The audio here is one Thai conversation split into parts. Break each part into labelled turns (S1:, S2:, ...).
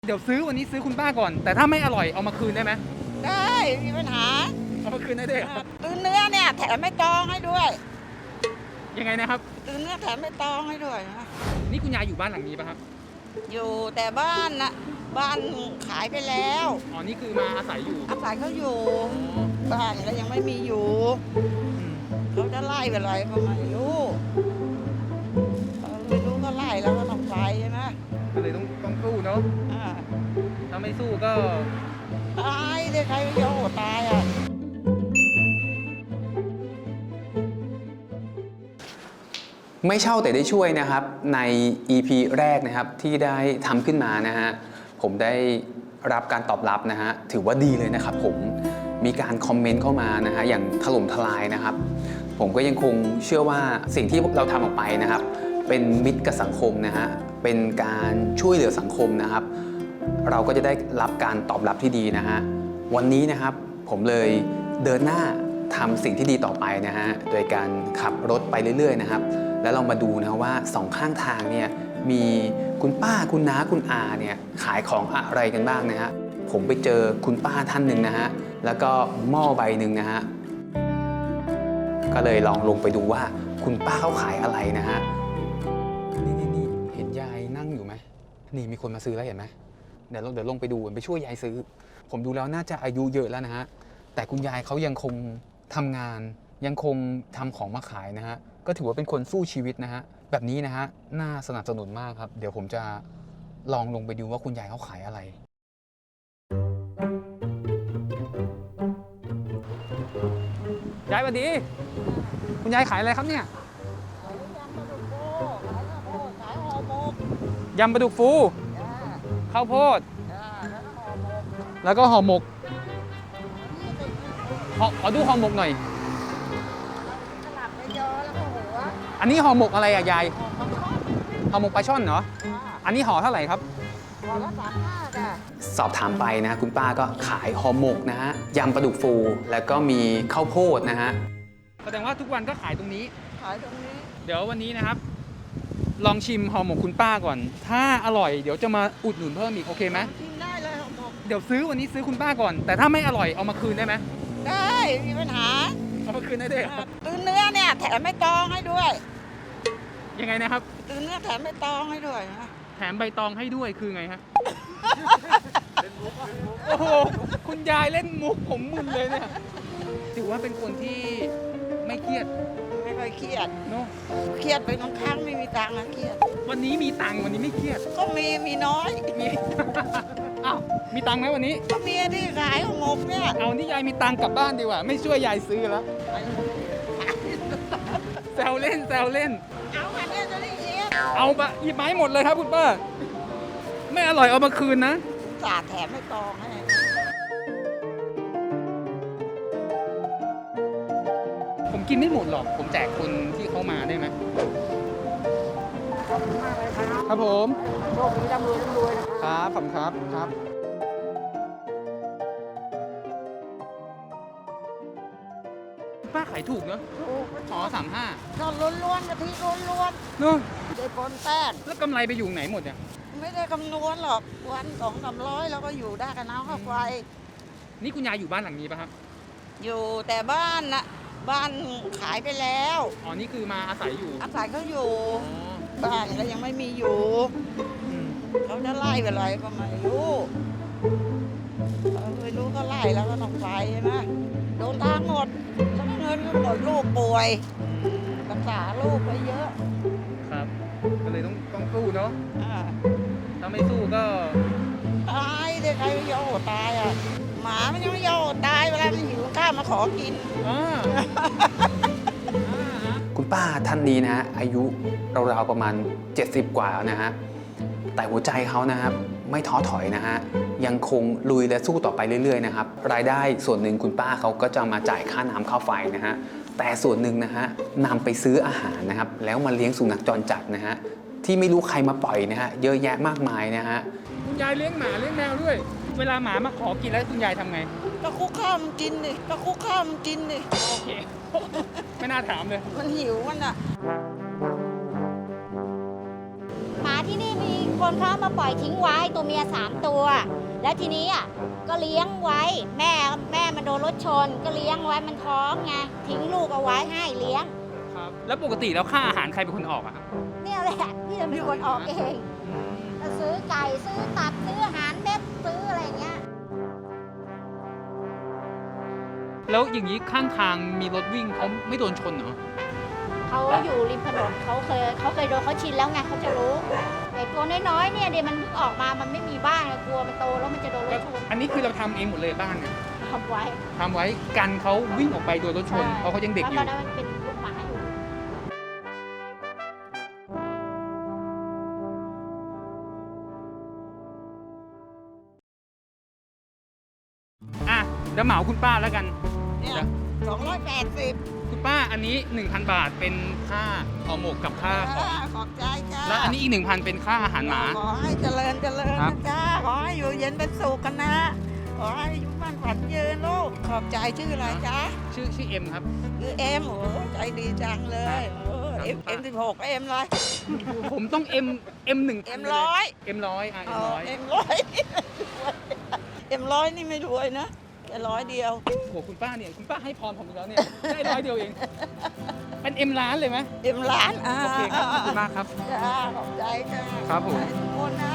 S1: เดี๋ยวซื้อวันนี้ซื้อคุณป้าก่อนแต่ถ้าไม่อร่อยเอามาคืนได้ไหม
S2: ได้มีปัญหา
S1: เอามาคืนได้ด้วย
S2: ซื้อเนื้อเนี่ยแถมไม่ตองให้ด้วย
S1: ยังไงนะครับ
S2: ซื้อเนื้อแถมไม่ตองให้ด้วยนะ
S1: นี่คุณยายอยู่บ้านหลังนี้ป่ะครับ
S2: อยู่แต่บ้านนะบ้านขายไปแล้ว
S1: อ๋อนี่คือมาอาศัยอยู่
S2: อาศัยเขาอยู่บ้านก็ยังไม่มีอยู่เขาจะไล่ไปอะไรก็ไม่รู้ไม่รู้ก็ไล่แล้วก็ต้องไปใช่ไหม
S1: ก็เลยต้องสู้เนาะถ้าไม่สู้ก็
S2: ตายเลยใครไม่ยอมตายอ่ะ
S3: ไม่เช่าแต่ได้ช่วยนะครับใน EP แรกนะครับที่ได้ทำขึ้นมานะฮะผมได้รับการตอบรับนะฮะถือว่าดีเลยนะครับผมมีการคอมเมนต์เข้ามานะฮะอย่างถล่มทลายนะครับผมก็ยังคงเชื่อว่าสิ่งที่เราทำออกไปนะครับเป็นมิตรกับสังคมนะฮะเป็นการช่วยเหลือสังคมนะครับเราก็จะได้รับการตอบรับที่ดีนะฮะวันนี้นะครับผมเลยเดินหน้าทำสิ่งที่ดีต่อไปนะฮะโดยการขับรถไปเรื่อยๆนะครับแล้วเรามาดูนะว่าสองข้างทางเนี่ยมีคุณป้าคุณน้าคุณอาเนี่ยขายของอะไรกันบ้างนะฮะผมไปเจอคุณป้าท่านหนึ่งนะฮะแล้วก็หม้อใบหนึ่งนะฮะก็เลยลองลงไปดูว่าคุณป้าเขาขายอะไรนะฮะนี่เห็นยายนั่งอยู่ไหมนี่มีคนมาซื้อแล้วเห็นไหมเดี๋ยวลงไปดูไปช่วยยายซื้อผมดูแล้วน่าจะอายุเยอะแล้วนะฮะแต่คุณยายเขายังคงทำงานยังคงทำของมาขายนะฮะก็ถือว่าเป็นคนสู้ชีวิตนะฮะแบบนี้นะฮะน่าสนับสนุนมากครับเดี๋ยวผมจะลองลงไปดูว่าคุณยายเขาขายอะไร
S1: ยายสวัสดีคุณยายขายอะไรครับเนี่ยยำปลาดุกฟูข้าวโพดแล้วก็ห่อหมกขอดูห่อหมกหน่อยอันนี้ห่อหมกอะไรอะยายห่อหมกปลาช่อนเหรออันนี้ห่อเท่าไหร่ครับ
S2: ห่อละ35จ้ะ
S3: สอบถามไปนะคุณป้าก็ขายห่อหมกนะฮะยำปลาดุกฟูแล้วก็มีข้าวโพดนะฮะ
S1: แสดงว่าทุกวันก็ขายตรงนี้
S2: ขายตรงนี้
S1: เดี๋ยววันนี้นะครับลองชิมห่อหมกคุณป้าก่อนถ้าอร่อยเดี๋ยวจะมาอุดหนุนเพิ่มอีกโอเคไหม
S2: ชิมได้เลยห่อหมก
S1: เดี๋ยวซื้อวันนี้ซื้อคุณป้าก่อนแต่ถ้าไม่อร่อยเอามาคืนได้ไหม
S2: ได้มีปัญหา
S1: เอามาคืนได้ด้วย
S2: ซื้อเนื้อเนี่ยแถมไม่ตองให้ด้วย
S1: ยังไงนะครับ
S2: ซื้อเนื้อแถมไม่ตองให้ด้วยนะ
S1: แถมใบตองให้ด้วยคือไงฮะโอ้โหคุณยายเล่นมุกผมมึนเลยเนี่ยถือว่าเป็นคนที่ไม่เครียด
S2: ไม่ค่อยเครียด
S1: เนาะ
S2: เครียดไปบางครั้งไม่มีตังค์นะเครียด
S1: วันนี้มีตังค์วันนี้ไม่เครียด
S2: ก็มีน้อย
S1: มีอ้าวมีตังค์ไหมวันนี้
S2: ก็มีที่ขายห่อหมกเนี่ย
S1: เอานี่ยายมีตังค์กลับบ้านดีกว่าไม่ช่วยยายซื้อแล้วแซวเล่น
S2: เอาอันนี้จะได้เย็บ
S1: เอาไปหยิบไม้หมดเลยครับคุณป้าไม่อร่อยเอามาคืนนะ
S2: สาดแถมไม่ตองให้
S1: ผมกินไม่หมดหรอกผมแจกคนที่เขามาได้ไหม
S2: ขอบคุณมากเลย
S1: ครับผม
S2: โชคดีร่ำรวย
S1: นะครับขอบคุณครับป้าขายถูกเนอะ
S2: ถูก
S1: อ๋อ35
S2: ก็ล้วนๆกะทิล้วน
S1: ๆเนอะ
S2: ได้ผลแป้ง
S1: แล้วกำไรไปอยู่ไหนหมดเนี่ย
S2: ไม่ได้คำนวณหรอกวัน200-300แล้วก็อยู่ได้กับน้ำค่าไฟ
S1: นี่คุณยายอยู่บ้านหลังนี้ป่ะครับ
S2: อยู่แต่บ้านนะบ้านขายไปแล้ว
S1: อ๋อนี่คือมาอาศัยอยู่
S2: อาศัยเขาอยู่บ้านก็ยังไม่มีอยู่เขาจะไล่ไปอะไรก็ไม่รู้ไม่รู้ก็ไล่แล้วก็ต้องไปใช่ไหมโดนทางหมดทั้งเงินก็หมดลูกป่วยรักษาลูกไปเยอะ
S1: ครับก็เลยต้องสู้เนาะถ้าไม่สู้ก็
S2: ตายเลยใครไม่ยอมตายอ่ะหมามันยังไม่ยอมตายเวลามันหิวข้าวมาขอกิน
S3: คุณป้าท่านนี้นะฮะอายุราวๆประมาณ70กว่านะฮะแต่หัวใจเขานะครับไม่ท้อถอยนะฮะยังคงลุยและสู้ต่อไปเรื่อยๆนะครับรายได้ส่วนหนึ่งคุณป้าเขาก็จะมาจ่ายค่าน้ำค่าไฟนะฮะแต่ส่วนหนึ่งนะฮะนำไปซื้ออาหารนะครับแล้วมาเลี้ยงสุนัขจรจัดนะฮะที่ไม่รู้ใครมาปล่อยนะฮะเยอะแยะมากมายนะฮะ
S1: คุณยายเลี้ยงหมาเลี้ยงแมวด้วยเวลาหมามาขอกินแล้วคุณยายทำไง
S2: ก็คุกข้าวมันกินดิก็คุกข้าวมันกินดิ
S1: โอเคไม่น่าถามเลย
S2: มันหิวมันอ่ะ
S4: หมาที่นี่มีคนนเขามาปล่อยทิ้งไว้ตัวเมีย3 ตัว แล้วทีนี้อ่ะก็เลี้ยงไว้แม่มันโดนรถชนก็เลี้ยงไว้มันท้องไงทิ้งลูกเอาไว้ให้เลี้ยง
S1: ครับ แล้วปกติแล้วค่าอาหารใครเป็นคนออกอะครับ
S4: เนี่ยแหละพี่จะเป็นคนออกเองก็ซื้อไก่ซื้อตับซื้ออาหารเม็ดซื้ออะไรอย่างเงี้ย
S1: แล้วอย่างนี้ข้างทางมีรถวิ่งเขาไม่โดนชนเหรอ
S4: เขาอยู่ริมถนนเขาเคยโดนเขาชินแล้วไงเขาจะรู้ไอ้ตัวน้อยๆเนี่ยเดี๋ยวมันเพิ่งออกมามันไม่มีบ้านกลัวมันโตแล้วมันจะโดนรถชน
S1: อันนี้คือเราทำเองหมดเลยบ้านเนี่ย
S4: ทำไว้
S1: ทำไว้กันเขาวิ่งออกไปโดนรถชน
S4: ใช่
S1: เพราะเขายังเด็กอยู่
S4: แล้วตอนนั้นมันเป็นลูกหมาอยู่
S1: อ่ะแล้วเหมาคุณป้าแล้วกัน
S2: เนี่ย280
S1: คุณป้าอันนี้ 1,000 บาทเป็นค่าห่อหมกกับค่าของ
S2: ขอบใจจ้า
S1: แล้วอันนี้อีก 1,000 เป็นค่าอาหารหมา
S2: ขอให้เจริญ
S1: ครั
S2: นะ
S1: บ
S2: จ้าขอให้อยู่เย็นเป็นสุขกันนะ ขอให้อายุมั่นขวัญยืนลูกขอบใจชื่ออะไรจ๊ะ
S1: ชื่อเอ็มครับ
S2: คือเอ็มโอ้ใจดีจังเลยเอ็ม
S1: ครับ
S2: 16เอ็มเลย
S1: ผมต้อง M1
S2: M100
S1: M100 อ่ะ M100
S2: เอ็มร้อยเอ็มร้อยนี่ไม่รวยนะแต่100เดียว
S1: โอ้โหคุณป้าเนี่ยคุณป้าให้พรผมอีกแล้วเนี่ยได้100 เดียวเอง เป็น M ล้านเลยไหม
S2: เอ็มล้าน
S1: โอเคครับขอบคุณมากครับ
S2: จ้าขอบใจจ้า
S1: ครับผม
S2: ขอให้ทุกคนนะ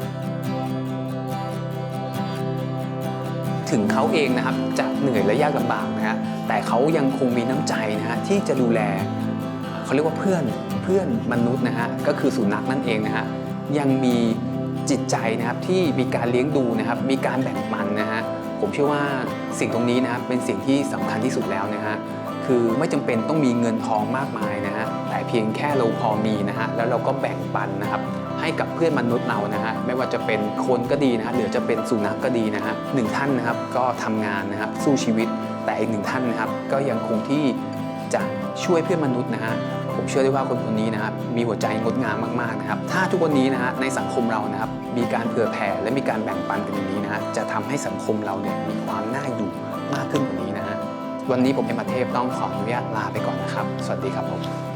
S3: ถึงเขาเองนะครับจะเหนื่อยและยากลำบากนะฮะแต่เขายังคงมีน้ำใจนะฮะที่จะดูแลเขาเรียกว่าเพื่อนมนุษย์นะฮะก็คือสุนัขนั่นเองนะฮะยังมีจิตใจนะครับที่มีการเลี้ยงดูนะครับมีการแบ่งปันนะฮะผมเชื่อว่าสิ่งตรงนี้นะครับเป็นสิ่งที่สำคัญที่สุดแล้วนะฮะคือไม่จำเป็นต้องมีเงินทองมากมายนะฮะแต่เพียงแค่เราพอมีนะฮะแล้วเราก็แบ่งปันนะครับให้กับเพื่อนมนุษย์เรานะฮะไม่ว่าจะเป็นคนก็ดีนะฮะหรือจะเป็นสุนัขก็ดีนะฮะหนึ่งท่านนะครับก็ทำงานนะครับสู้ชีวิตแต่อีกหนึ่งท่านนะครับก็ยังคงที่จะช่วยเพื่อนมนุษย์นะฮะผมเชื่อได้ว่าคนคนนี้นะครับมีหัวใจงดงามมากๆนะครับถ้าทุกวันนี้นะฮะในสังคมเรานะครับมีการเผื่อแผ่และมีการแบ่งปันกันอย่างนี้นะฮะจะทำให้สังคมเราเนี่ยมีความน่าอยู่มากขึ้นกว่านี้นะฮะวันนี้ผมเอ็มอาเทพต้องขออนุญาตลาไปก่อนนะครับสวัสดีครับผม